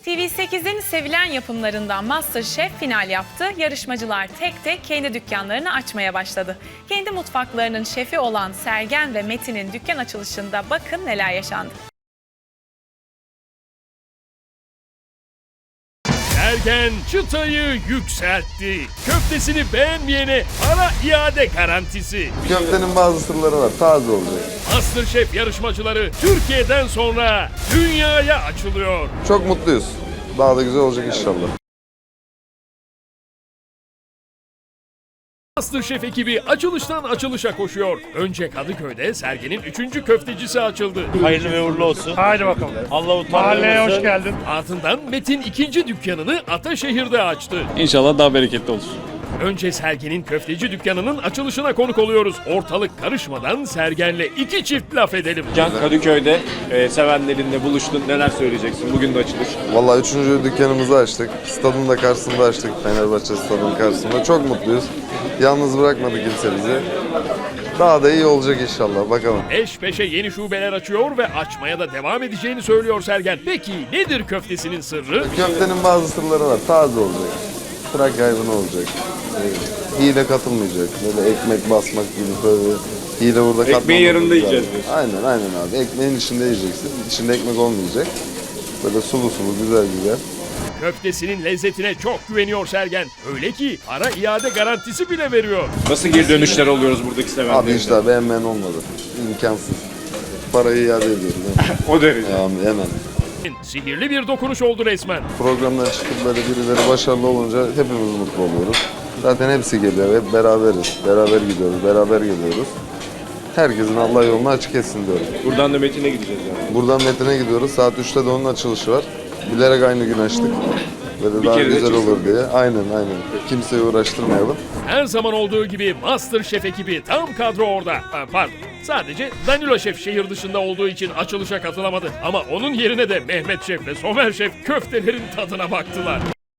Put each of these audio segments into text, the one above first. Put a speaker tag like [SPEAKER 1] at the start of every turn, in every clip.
[SPEAKER 1] TV8'in sevilen yapımlarından MasterChef final yaptı. Yarışmacılar tek tek kendi dükkanlarını açmaya başladı. Kendi mutfaklarının şefi olan Sergen ve Metin'in dükkan açılışında bakın neler yaşandı.
[SPEAKER 2] Sergen çıtayı yükseltti. Köftesini beğenmeyene para iade garantisi.
[SPEAKER 3] Köftenin bazı sırları var. Taze olacak.
[SPEAKER 2] MasterChef yarışmacıları Türkiye'den sonra dünyaya açılıyor.
[SPEAKER 3] Çok mutluyuz. Daha da güzel olacak inşallah.
[SPEAKER 2] MasterChef ekibi açılıştan açılışa koşuyor. Önce Kadıköy'de Sergen'in 3. köftecisi açıldı.
[SPEAKER 4] Hayırlı ve uğurlu olsun.
[SPEAKER 5] Haydi bakalım.
[SPEAKER 4] Allah
[SPEAKER 5] Mahalleye hoş geldin.
[SPEAKER 2] Ardından Metin 2. dükkanını Ataşehir'de açtı.
[SPEAKER 6] İnşallah daha bereketli olur.
[SPEAKER 2] Önce Sergen'in köfteci dükkanının açılışına konuk oluyoruz. Ortalık karışmadan Sergen'le iki çift laf edelim.
[SPEAKER 6] Can Kadıköy'de sevenlerinle buluştun. Neler söyleyeceksin? Bugün de açılış.
[SPEAKER 3] Vallahi 3. dükkanımızı açtık. Stadın da karşısında açtık. Fenerbahçe stadının karşısında. Çok mutluyuz. Yalnız bırakmadı kimse bizi. Daha da iyi olacak inşallah. Bakalım.
[SPEAKER 2] Peş peşe yeni şubeler açıyor ve açmaya da devam edeceğini söylüyor Sergen. Peki nedir köftesinin sırrı?
[SPEAKER 3] Köftenin bazı sırları var. Taze olacak. Fırak hayvanı olacak. Hile katılmayacak. Böyle ekmek basmak gibi böyle hile burada katılmayacak.
[SPEAKER 6] Ekmeğin yanında yiyeceğiz diyorsun.
[SPEAKER 3] Aynen abi. Ekmeğin içinde yiyeceksin. İçinde ekmek olmayacak. Böyle sulu sulu güzel güzel.
[SPEAKER 2] Köftesinin lezzetine çok güveniyor Sergen. Öyle ki para iade garantisi bile veriyor.
[SPEAKER 6] Nasıl geri dönüşler oluyoruz buradaki
[SPEAKER 3] Abi
[SPEAKER 6] sevenlerine?
[SPEAKER 3] işte beğenmeyen olmadı. İmkansız. Parayı iade ediyorum.
[SPEAKER 6] O derece.
[SPEAKER 3] Hemen.
[SPEAKER 2] Sihirli bir dokunuş oldu resmen.
[SPEAKER 3] Programdan çıkıp böyle birileri başarılı olunca hepimiz mutlu oluyoruz. Zaten hepsi geliyor. Hep beraberiz. Beraber gidiyoruz. Beraber geliyoruz. Herkesin Allah yolunu açık etsin diyorum.
[SPEAKER 6] Buradan da Metin'e gideceğiz yani.
[SPEAKER 3] Buradan Metin'e gidiyoruz. Saat 3'te de onun açılışı var. Bilerek aynı gün açtık. Böyle daha
[SPEAKER 6] kere de
[SPEAKER 3] güzel
[SPEAKER 6] çıksın.
[SPEAKER 3] olur diye. Aynen. Kimseyi uğraştırmayalım.
[SPEAKER 2] Her zaman olduğu gibi MasterChef ekibi tam kadro orada. Pardon. Sadece Danilo Şef şehir dışında olduğu için açılışa katılamadı. Ama onun yerine de Mehmet Şef ve Somer Şef köftelerin tadına baktılar.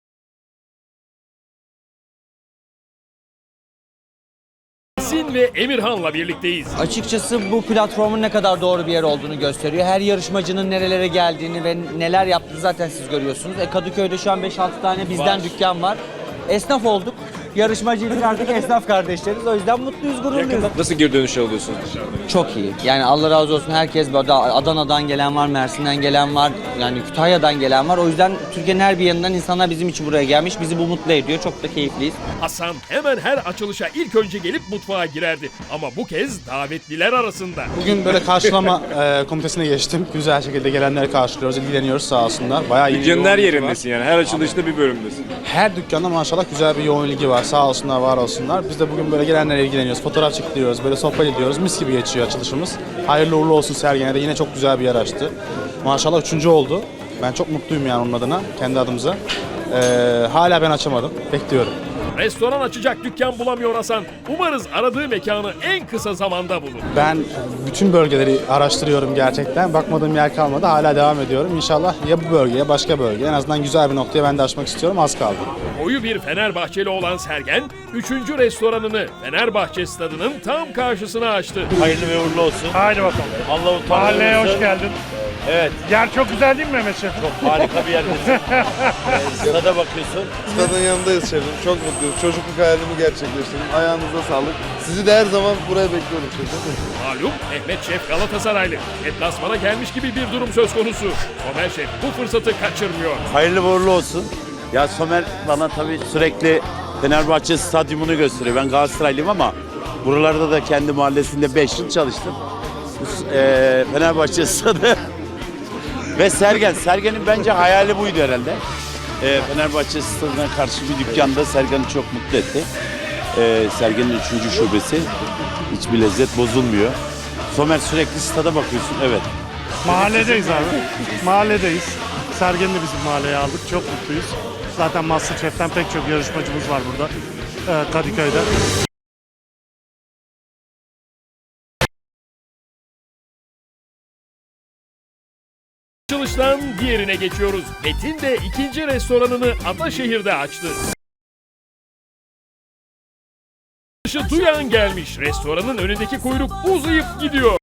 [SPEAKER 2] Sin ve Emirhan'la birlikteyiz.
[SPEAKER 7] Açıkçası bu platformun ne kadar doğru bir yer olduğunu gösteriyor. Her yarışmacının nerelere geldiğini ve neler yaptığını zaten siz görüyorsunuz. Kadıköy'de şu an 5-6 tane bizden dükkan var. Esnaf olduk. Yarışmacıydık, artık esnaf kardeşleriz. O yüzden mutluyuz, gururluyuz.
[SPEAKER 6] Nasıl geri dönüşler alıyorsun?
[SPEAKER 7] Çok iyi. Yani Allah razı olsun, herkes böyle Adana'dan gelen var, Mersin'den gelen var, yani Kütahya'dan gelen var. O yüzden Türkiye'nin her bir yanından insanlar bizim için buraya gelmiş. Bizi bu mutlu ediyor. Çok da keyifliyiz.
[SPEAKER 2] Hasan hemen her açılışa ilk önce gelip mutfağa girerdi. Ama bu kez davetliler arasında.
[SPEAKER 5] Bugün böyle karşılama komitesine geçtim. Güzel şekilde gelenleri karşılıyoruz, ilgileniyoruz sağ olsunlar. Bayağı iyi bir
[SPEAKER 6] Dükkanın her
[SPEAKER 5] yoğun ilgi
[SPEAKER 6] yerindesin yani. Her açılışta bir bölümdesin.
[SPEAKER 5] var. Her dükkanda maşallah güzel bir yoğun ilgi var. Sağ olsunlar, var olsunlar. Biz de bugün böyle gelenlere ilgileniyoruz. Fotoğraf çekiliyoruz, böyle sohbet ediyoruz. Mis gibi geçiyor açılışımız. Hayırlı uğurlu olsun Sergen'e de, yine çok güzel bir yer açtı. Maşallah 3. oldu. Ben çok mutluyum yani onun adına, kendi adımıza. Hala ben açamadım. Bekliyorum.
[SPEAKER 2] Restoran açacak dükkan bulamıyor Hasan. Umarız aradığı mekanı en kısa zamanda bulur.
[SPEAKER 5] Ben bütün bölgeleri araştırıyorum gerçekten. Bakmadığım yer kalmadı. Hala devam ediyorum. İnşallah ya bu bölge ya başka bölge. En azından güzel bir noktaya ben de açmak istiyorum. Az kaldı.
[SPEAKER 2] Koyu bir Fenerbahçeli olan Sergen, 3. restoranını Fenerbahçe stadının tam karşısına açtı.
[SPEAKER 4] Hayırlı ve uğurlu olsun.
[SPEAKER 5] Haydi bakalım.
[SPEAKER 4] Allah
[SPEAKER 5] Mahalleye hoş geldin.
[SPEAKER 4] Evet.
[SPEAKER 5] Yer çok güzel değil mi Mehmet Şef?
[SPEAKER 4] Çok harika bir yerdesin. Sırada bakıyorsun.
[SPEAKER 3] Stadın yanındayız şefim. Çok mutluyuz. Çocukluk hayalimi gerçekleştirdim. Ayağınıza sağlık. Sizi de her zaman buraya bekliyorum şefim.
[SPEAKER 2] Malum Mehmet Şef Galatasaraylı. Deplasmana gelmiş gibi bir durum söz konusu. Somer Şef bu fırsatı kaçırmıyor.
[SPEAKER 4] Hayırlı ve uğurlu olsun. Ya Somer bana tabii sürekli Fenerbahçe stadyumunu gösteriyor. Ben Galatasaraylıyım ama buralarda da kendi mahallesinde 5 yıl çalıştım. Fenerbahçe stadı ve Sergen'in bence hayali buydu herhalde. Fenerbahçe stadına karşı bir dükkanda Sergen'i çok mutlu etti. Sergen'in 3. şubesi. Hiçbir lezzet bozulmuyor. Somer sürekli stada bakıyorsun. Evet.
[SPEAKER 5] Mahalledeyiz abi. Mahalledeyiz. Sergen'i de bizim mahalleye aldık. Çok mutluyuz. Zaten MasterChef'ten pek çok yarışmacımız var burada. Kadıköy'de.
[SPEAKER 2] Açılıştan diğerine geçiyoruz. Metin de 2. restoranını Ataşehir'de açtı. Duyan gelmiş. Restoranın önündeki kuyruk uzayıp gidiyor.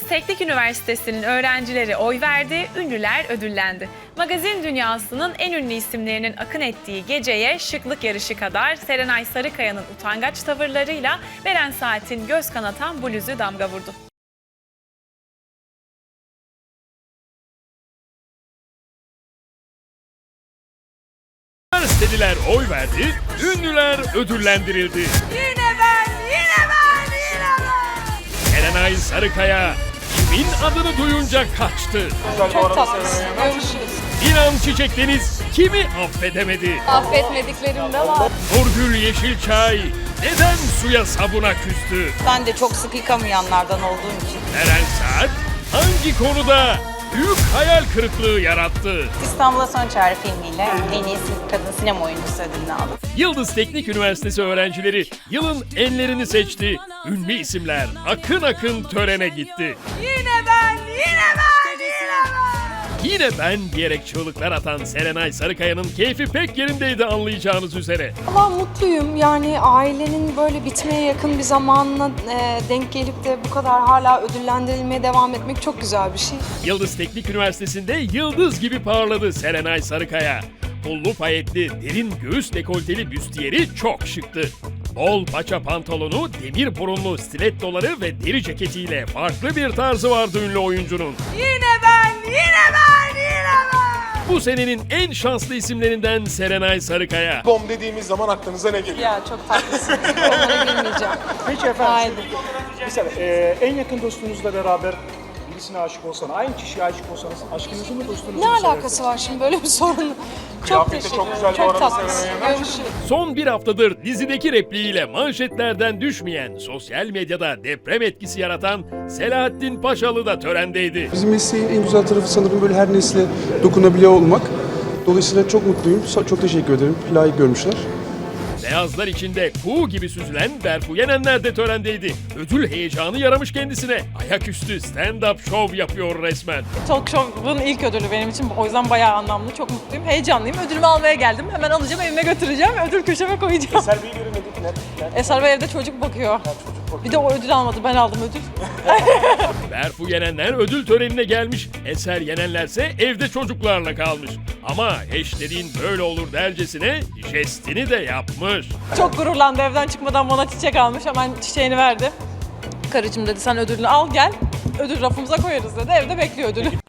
[SPEAKER 1] Teknik Üniversitesi'nin öğrencileri oy verdi, ünlüler ödüllendi. Magazin dünyasının en ünlü isimlerinin akın ettiği geceye şıklık yarışı kadar Serenay Sarıkaya'nın utangaç tavırlarıyla Beren Saat'in göz kanatan bluzu damga vurdu.
[SPEAKER 2] Üniversiteliler oy verdi, ünlüler ödüllendirildi.
[SPEAKER 8] Yine ben.
[SPEAKER 2] Serenay Sarıkaya kimin adını duyunca kaçtı?
[SPEAKER 8] Çok tatlısın. Görüşürüz.
[SPEAKER 2] İnan Çiçek Deniz kimi affedemedi?
[SPEAKER 8] Affetmediklerim de var.
[SPEAKER 2] Nurgül Yeşilçay neden suya sabuna küstü?
[SPEAKER 8] Ben de çok sık yıkamayanlardan olduğum için.
[SPEAKER 2] Beren Saat hangi konuda büyük hayal kırıklığı yarattı?
[SPEAKER 8] İstanbul'a Son Çağrı filmiyle en iyi kadın sinema oyuncusu ödülünü aldım.
[SPEAKER 2] Yıldız Teknik Üniversitesi öğrencileri yılın enlerini seçti. Ünlü isimler akın akın törene gitti.
[SPEAKER 8] Yine ben.
[SPEAKER 2] Yine ben diyerek çığlıklar atan Serenay Sarıkaya'nın keyfi pek yerindeydi anlayacağınız üzere.
[SPEAKER 9] Valla mutluyum. Yani ailenin böyle bitmeye yakın bir zamanına denk gelip de bu kadar hala ödüllendirilmeye devam etmek çok güzel bir şey.
[SPEAKER 2] Yıldız Teknik Üniversitesi'nde yıldız gibi parladı Serenay Sarıkaya. Pullu payetli, derin göğüs dekolteli büstiyeri çok şıktı. Bol paça pantolonu, demir burunlu stilettoları ve deri ceketiyle farklı bir tarzı vardı ünlü oyuncunun.
[SPEAKER 8] Yine ben.
[SPEAKER 2] Bu senenin en şanslı isimlerinden Serenay Sarıkaya.
[SPEAKER 10] Bom dediğimiz zaman aklınıza ne geliyor?
[SPEAKER 9] Ya çok tatlısın. Onlara girmeyeceğim.
[SPEAKER 11] Peki efendim.
[SPEAKER 9] Haydi.
[SPEAKER 11] Mesela en yakın dostunuzla beraber birisine aşık olsanız, aynı kişiye aşık olsanız aşkınızı mı dostunuzu
[SPEAKER 9] Ne
[SPEAKER 11] mu
[SPEAKER 9] alakası var şimdi böyle bir sorun? Çok
[SPEAKER 10] Kıyafeti
[SPEAKER 9] teşekkür
[SPEAKER 10] çok
[SPEAKER 9] ederim.
[SPEAKER 10] güzel bu
[SPEAKER 9] Çok
[SPEAKER 10] arada
[SPEAKER 9] tatlısın.
[SPEAKER 10] Serenay Hanım.
[SPEAKER 9] Görüşürüz.
[SPEAKER 2] Son bir haftadır dizideki repliğiyle manşetlerden düşmeyen, sosyal medyada deprem etkisi yaratan Selahattin Paşalı da törendeydi.
[SPEAKER 12] Bizim mesleğin en güzel tarafı sanırım böyle her nesle dokunabiliyor olmak. Dolayısıyla çok mutluyum. Çok teşekkür ederim. Layık görmüşler.
[SPEAKER 2] Beyazlar içinde kuğu gibi süzülen Berfu Yenenler de törendeydi. Ödül heyecanı yaramış kendisine. Ayaküstü stand-up show yapıyor resmen.
[SPEAKER 13] Talk Show'un ilk ödülü benim için. O yüzden bayağı anlamlı. Çok mutluyum. Heyecanlıyım. Ödülümü almaya geldim. Hemen alacağım, evime götüreceğim. Ödül köşeme koyacağım.
[SPEAKER 11] Eser Bey'i göremedik.
[SPEAKER 13] Eser Bey evde çocuk bakıyor. Bir de o ödül almadı. Ben aldım ödül.
[SPEAKER 2] Berfu Yenenler ödül törenine gelmiş. Eser Yenenlerse evde çocuklarla kalmış. Ama eşlerin böyle olur dercesine jestini de yapmış.
[SPEAKER 13] Çok gururlandı. Evden çıkmadan bana çiçek almış. Hemen çiçeğini verdi. Karıcığım dedi sen ödülünü al gel. Ödül rafımıza koyarız dedi. Evde bekliyor ödülü.